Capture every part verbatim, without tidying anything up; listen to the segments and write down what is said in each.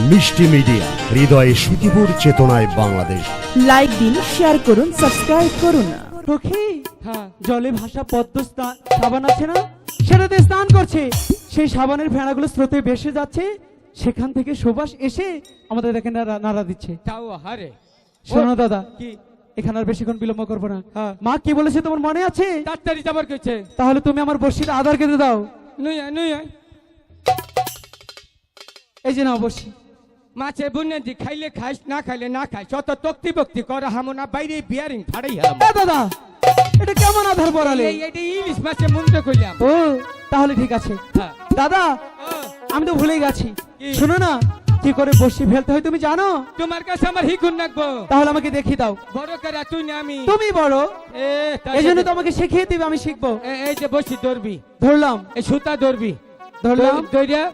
মিষ্টি মিডিয়া, হৃদয়ে সুখীপুর, চেতনায় বাংলাদেশ। লাইক দিন, শেয়ার করুন, সাবস্ক্রাইব করুন। সখী, হ্যাঁ, জলে ভাসা পদ্ম স্নান সাবান আছে না, সেটাতে স্নান করছে। সেই সাবানের ফেনাগুলো স্রোতে ভেসে যাচ্ছে, সেখান থেকে সুবাস এসে আমাদের দেখে নাড়া নাড়া দিচ্ছে। তাও হারে শোনো দাদা, কি এখানে আর বেশিক্ষণ বিলম্ব করবো না। মা কি বলেছে তোমার মনে আছে? তাড়াতাড়ি যাবার কইছে। তাহলে তুমি আমার বর্ষির আধার কেটে দাও। নই আয়, নই আয়। এই যে নাও বর্ষি। মাছে বুনে দি খাইলে খাইস, না খাইলে না খাইস, অত তক্তি বক্তি করা হামনা বাইরে বিয়ারিং ফাড়াই হাম। এ দাদা, এটা কেমন আধার পড়ালে? এই এটা ইলিশ মাছে মুন্ডে কইলাম। ও তাহলে ঠিক আছে। হ্যাঁ। দাদা, আমি তো ভুলেই গেছি। শোনো না, কি করে বর্ষি ফেলতে হয় তুমি জানো? তোমার কাছে আমার হিকুন রাখবো। তাহলে আমাকে দেখিয়ে দাও। বড় করে তুই না আমি। তুমি বড়, এ তাই এই জন্য তো আমাকে শিখিয়ে দিবে, আমি শিখবো। এ- এই যে বসি ধরবি, ধরলাম, এই সুতা ধরবি, ধরলাম। ধরিয়া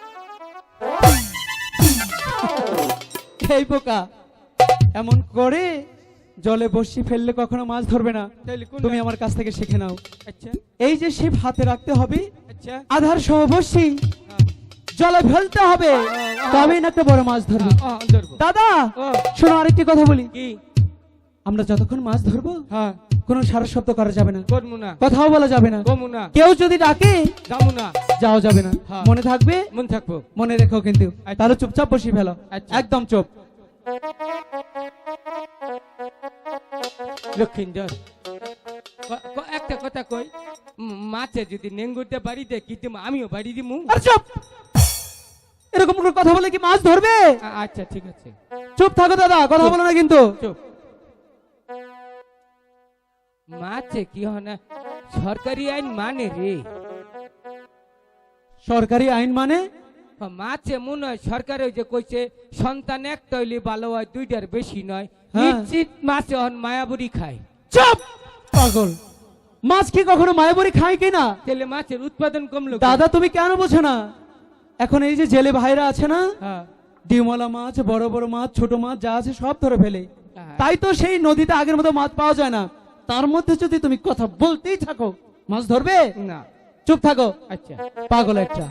এই বোকা, এমন করে জলে বর্ষি ফেললে কখনো মাছ ধরবে না। তাইলে কোন তুমি আমার কাছ থেকে শিখে নাও। আচ্ছা এই যে শিব হাতে রাখতে হবে, আচ্ছা আধার সহ বর্ষি হ্যাঁ, জলে ফেলতে হবে, তবেই না একটা বড় মাছ ধরবে। আ, আ, ধরবো। দাদা ও শোনো, আরেকটি কথা বলি। কি? আমরা যতক্ষণ মাছ ধরবো হ্যাঁ, কোনো সারা শব্দ করা যাবে না, করমু না, কথাও বলা যাবে না। কমু না, কেউ যদি ডাকে যামু না, যাও যাবে না। হ্যাঁ। মনে থাকবে, মন থাকবো। মনে রেখো কিন্তু। আচ্ছা। তাহলে চুপচাপ বসি ফেলো, আচ্ছা। একদম চুপ। লক্ষিন্দর, ক- ক- একটা কথা কই, উম, মাছে যদি নেঙ্গুরতে বাড়ি দেয় কি তুমি আমিও বাড়ি দিমু। আর চুপ, এরকম কোনো কথা বলে কি মাছ ধরবে? আ- আচ্ছা ঠিক আছে, চুপ থাকো দাদা, কথা বলো না কিন্তু। চুপ। মাছে কি হয় না, সরকারি আইন মানে রে। সরকারি আইন মানে? ও, মাছে মনে হয় সরকার ওই যে কইছে সন্তান একটা হইলে ভালো হয়, দুইটার বেশি নয়। হ্যাঁ। নিশ্চিত মাছে হন মায়াবুরি খায়। চুপ পাগল, মাছ কি কখনো মায়াবরি খায় কিনা? তাহলে মাছের উৎপাদন কমলো কেন? দাদা তুমি কেন বোঝো না? এখন এই যে জেলে ভাইরা আছে না, হ্যাঁ, ডিমওয়ালা মাছ, বড় বড় মাছ, ছোট মাছ যা আছে সব ধরে ফেলে। হ্যাঁ। তাই তো সেই নদীতে আগের মতো মাছ পাওয়া যায় না। তার মধ্যে যদি তুমি কথা বলতেই থাকো, মাছ ধরবে না। চুপ থাকো, আচ্ছা পাগল একটা।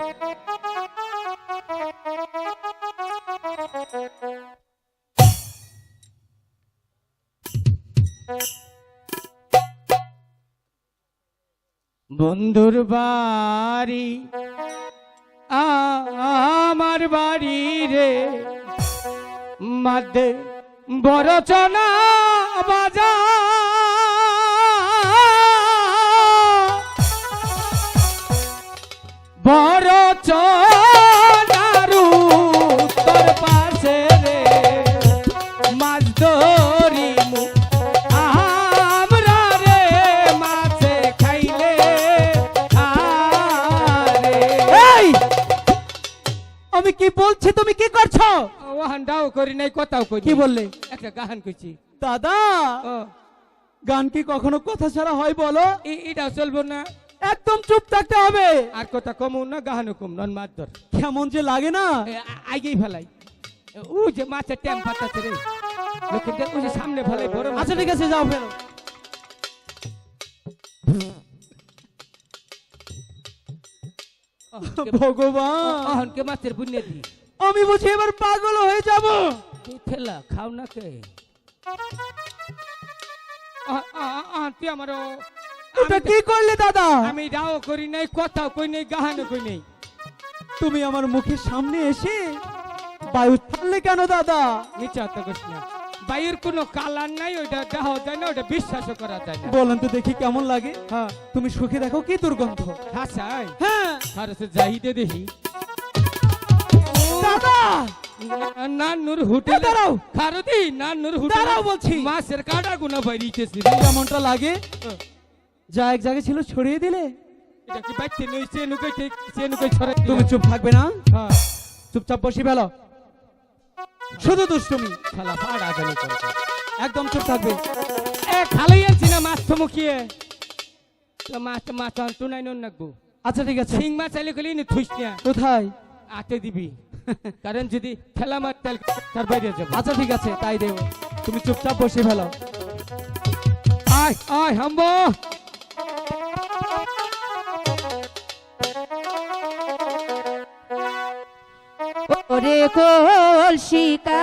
বন্ধুর বাড়ি আ- আমার বাড়ি রে, মাঝে বড় চনা বাজার, বড় চনার উত্তর পাশে রে, মাছ ধরি মু আমরা রে, মাছে খাইলে আরে। এই, আমি কি বলছি তুমি কি করছো? ওহানটাও করি নাই, কথাও করি কি নাই। বললে? একটা গান কইছি। দাদা, ও গান কি কখনো কথা ছাড়া হয় বলো? এ- এটা চলবো না, একদম চুপ থাকতে হবে। আর কথা কমও না, গাহানও কম নন, মাছ ধর। কেমন যে লাগে না। এ, আ- আগেই ফেলাই। এ, ও যে মাছের ট্যাম পাতাছে রে, লক্ষ্মীদের ওই যে সামনে ফেলাই বড় মাছ। আচ্ছা ঠিক আছে, যাও ফেরো। ভগবান, অহনকে মাছের বুনে দি আমি বুঝি এবার পাগল হয়ে যাব। তুই ঠেলা খাও না কে? আ- আ- আ- তুই আমারও এটা কি করলে দাদা? আমি রাও করি নাই, কথাও কই নাই, গাহানও কই নাই। তুমি আমার মুখের সামনে এসে বায়ু ছাড়লে কেন দাদা? নিচে হাত করিস না, বাইরের কোনো কালার নাই, ওইটা দেখাও যায় না, ওইটা বিশ্বাসও করা যায় না। বলেন তো দেখি কেমন লাগে। হ্যাঁ, তুমি সুখে দেখো কি দুর্গন্ধ। হাসাই হ্যাঁ আর সে যাইতে দেখি দাদা, নানুর এ হোটেল দাঁড়াও, খারদি, নানুর হোটেল দাঁড়াও বলছি। মাছের কাটা গুনা বাইরিতেছি। কেমনটা লাগে? যা এক জায়গায় ছিল ছড়িয়ে দিলে। এটা কি বাইতে নই, সে নুকাই ঠিক, সে নুকাই ছড়াই দিলাম। তুমি চুপ থাকবে না? হ্যাঁ, চুপচাপ বসি ফেলো, শুধু দুষ্টুমি, শালা পাড়া গেল কোন। একদম চুপ থাকবে। এ খালাই আনছি না মাছ তো মুখিয়ে, তো মাছ মাছ আনতো নাই নন নাকবো। আচ্ছা ঠিক আছে, শিং মাছ আইলে কলি নি থুইস না, কোথায়? আতে দিবি, কারণ যদি ঠেলা মার তেল তার বাইরে যাবে। আচ্ছা ঠিক আছে, তাই দেব। তুমি চুপচাপ বসে ফেলো। আয় আয় হাম্বো, ও ওরে কলসি